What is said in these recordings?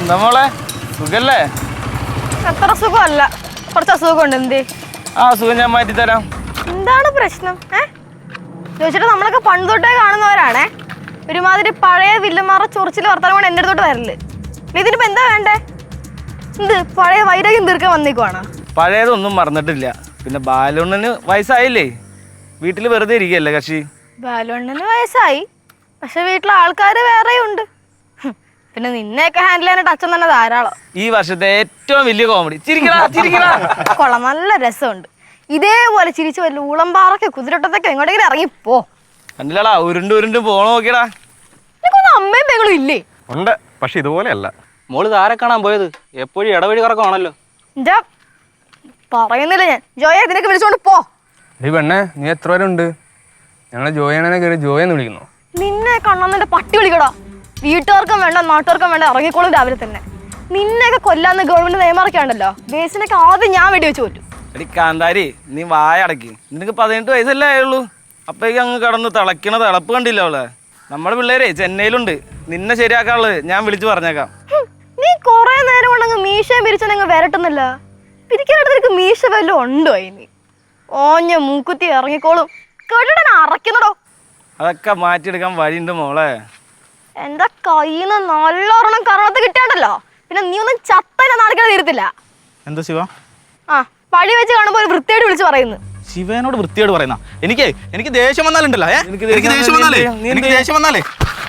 എന്താ മോളെ സുഖല്ലേ? അത്ര സുഖമല്ല, കുറച്ച് അസുഖമുണ്ട്. എന്തേ? ആ സുഖം ഞാൻ മാറ്റി തരാം. എന്താണ് പ്രശ്നം? ചോദിച്ചിട്ട് നമ്മളൊക്കെ പണ്ട് തൊട്ടേ കാണുന്നവരാണേ. ഒരുമാതിരി പഴയ വില്ലുമാറ ചൊറിച്ചിൽ വർത്താനം കൊണ്ട് എൻ്റെ അടുത്തോട്ട് വരല്. ഇതിനിപ്പോ എന്താ വേണ്ടേ? എന്ത് പഴയ വൈരാഗ്യം തീർക്കാൻ വന്നേക്കുവാണ്? പഴയതൊന്നും മറന്നിട്ടില്ല. പിന്നെ ബാലുണ്ണന് വയസ്സായില്ലേ, വീട്ടിൽ വെറുതെ ഇരിക്കുകയല്ലേ കക്ഷി. ബാലുണ്ണന് വയസ്സായി, പക്ഷെ വീട്ടിലെ ആൾക്കാർ വേറെയുണ്ട്. പിന്നെ നിന്നെയൊക്കെ ഹാൻഡിൽ ചെയ്യാനായിട്ട് അച്ഛൻ തന്നെ ധാരാളം. ഈ വർഷത്തെ ഏറ്റവും വലിയ കോമഡി. കൊള്ളാം, നല്ല രസമുണ്ട്. ഇതേപോലെ ചിരിച്ചു വല്ല ഊളംപാറൊക്കെ കുതിരട്ടത്തൊക്കെ എങ്ങോട്ടെങ്കിലും ഇറങ്ങിപ്പോ. കണ്ടില്ലടാ, ഉരുണ്ട് ഉരുണ്ട് പോണ നോക്കിയടാ. നിനക്കൊന്നും അമ്മയും പെങ്ങളും ഇല്ലേ? ഉണ്ട്, പക്ഷെ ഇതുപോലെയല്ല. മോള് താരെ കാണാൻ പോയത്? എപ്പോഴും ഇടവഴി കറക്കമാണല്ലോ. എന്താ പറയുന്നില്ല ഞാൻ. ജോയെ ഇതിനൊക്കെ വിളിച്ചോണ്ട് പോ. ഈ പെണ്ണെ, നീ എത്ര പേരുണ്ട്? ഞങ്ങളെ ജോയണനെ കയറി ജോയെന്ന് വിളിക്കുന്നു. നിന്നെ കണ്ണന്നെ പട്ടി വിളിക്കടാ. വീട്ടുകാർക്കും വേണ്ട നാട്ടുകാർക്കും വേണ്ട ഇറങ്ങിക്കോളും രാവിലെ തന്നെ. നിന്നെയൊക്കെ കൊല്ലാന്ന് ഗവൺമെന്റ് നിയമമൊക്കെയാണല്ലോ. ബേസിനൊക്കെ ആദ്യം ഞാൻ വെടിവെച്ച് പറ്റും. എടി കാന്താരി, നീ വായടക്കി. നിനക്ക് 18 വയസ്സല്ലേ ആയുള്ളൂ. അപ്പോഴേക്കും അങ്ങ് കടന്ന് തിളക്കണ തിളപ്പ് കണ്ടില്ല അവളെ. നമ്മുടെ പിള്ളേരെ ചെന്നൈയിലുണ്ട്. നിന്നെ ശരിയാക്കാനുള്ളത് ഞാൻ വിളിച്ചു പറഞ്ഞേക്കാം. നീ കൊറേ നേരം കൊണ്ടങ്ങ് മീശയും പിരിച്ചങ്ങ് വരട്ടുന്നില്ല. പിരിക്കാനായിട്ട് നിനക്ക് മീശ വല്ലതും ഉണ്ടോ? ഇനി ഓഞ്ഞ മൂക്കുത്തി ഇറങ്ങിക്കോളും. കേട്ടിട്ട് അറയ്ക്കുന്നടോ. അതൊക്കെ മാറ്റിയെടുക്കാൻ വഴിയുണ്ട് മോളെ. എന്റെ കയ്യിൽ നിന്ന് നല്ലോണം കറണത്ത് കിട്ടിയാണ്ടല്ലോ, പിന്നെ നീ ഒന്നും ചത്തന്നെ നടക്കാൻ തീരത്തില്ല. എന്താ ശിവ? ആ പഴി വെച്ച് കാണുമ്പോൾ ഒരു വൃത്തിയായിട്ട് വിളിച്ച് പറയുന്നു. ശിവനോട് വൃത്തിയോട് പറയുന്ന എനിക്ക് ദേഷ്യം വന്നാലുണ്ടല്ലോ. എനിക്ക് ദേഷ്യം വന്നാലേ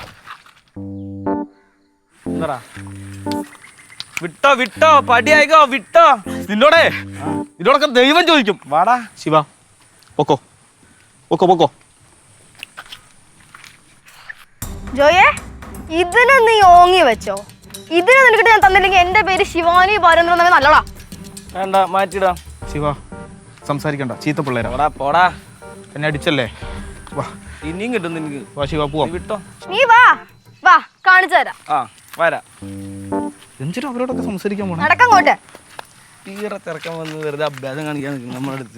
വിട്ടോ വിട്ടോ, പടിയായിക്കോ വിട്ടോ. നിന്നോടൊക്കെ ദൈവം ചോദിക്കും. വാടാ ശിവ, പൊക്കോ പൊക്കോ പൊക്കോ. ജോയെ, ഇതിന് നീ ഓങ്ങി വെച്ചോ. ഇതിന് നിനക്കിട്ട് ഞാൻ തന്നില്ലെങ്കിൽ എന്റെ പേര് ശിവാനി ബാലേന്ദ്രൻ നല്ലടാ. വേണ്ട, മാറ്റിടാം. ശിവ സംസാരിക്കണ്ട, ചീത്ത പിള്ളേരാ. പോടാ പോടാ, എന്നെ അടിച്ചല്ലേ. വാ, ഇനിയും കിട്ടും നിനക്ക്. വാ ശിവ, പോവാം. വിട്ടോ. നീ വാ വാ, കാണിച്ചു തരാം. ആ വരാ. എന്തിനാ അവരോടൊക്കെ സംസാരിക്കാൻ പോണേ? നടക്കങ്ങോട്ട്. തീരെ തിരക്കാൻ വന്ന് വെറുതെ അഭ്യാസം കാണിക്കാൻ നിൽക്കും നമ്മുടെ അടുത്ത്.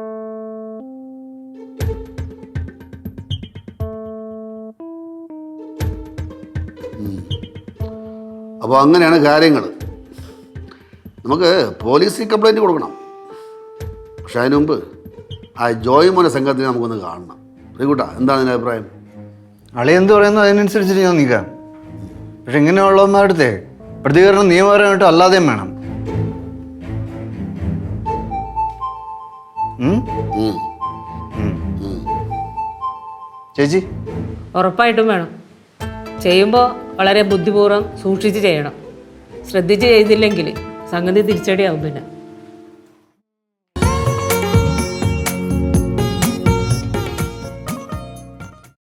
അപ്പോൾ അങ്ങനെയാണ് കാര്യങ്ങൾ. നമുക്ക് പോലീസിൽ കംപ്ലൈൻറ്റ് കൊടുക്കണം. പക്ഷെ അതിന് മുമ്പ് ആ ജോയ് മോനെ സംഘത്തിനെ നമുക്കൊന്ന് കാണണം. ശ്രീകുട്ടാ, എന്താണ് നിന്റെ അഭിപ്രായം? അളി എന്ത് പറയുന്നു അതിനനുസരിച്ചിട്ട് ഞാൻ നിൽക്കാം. പക്ഷെ ഇങ്ങനെയുള്ളവന്മാരുടെ അടുത്തേ പ്രതികരണം നിയമപരമായിട്ട് അല്ലാതെയും വേണം. ചേച്ചി, ഉറപ്പായിട്ടും വേണം. ചെയ്യുമ്പോൾ വളരെ ബുദ്ധിപൂർവ്വം സൂക്ഷിച്ച് ചെയ്യണം. ശ്രദ്ധിച്ച് ചെയ്തില്ലെങ്കിൽ സംഗതി തിരിച്ചടിയാവും. പിന്നെ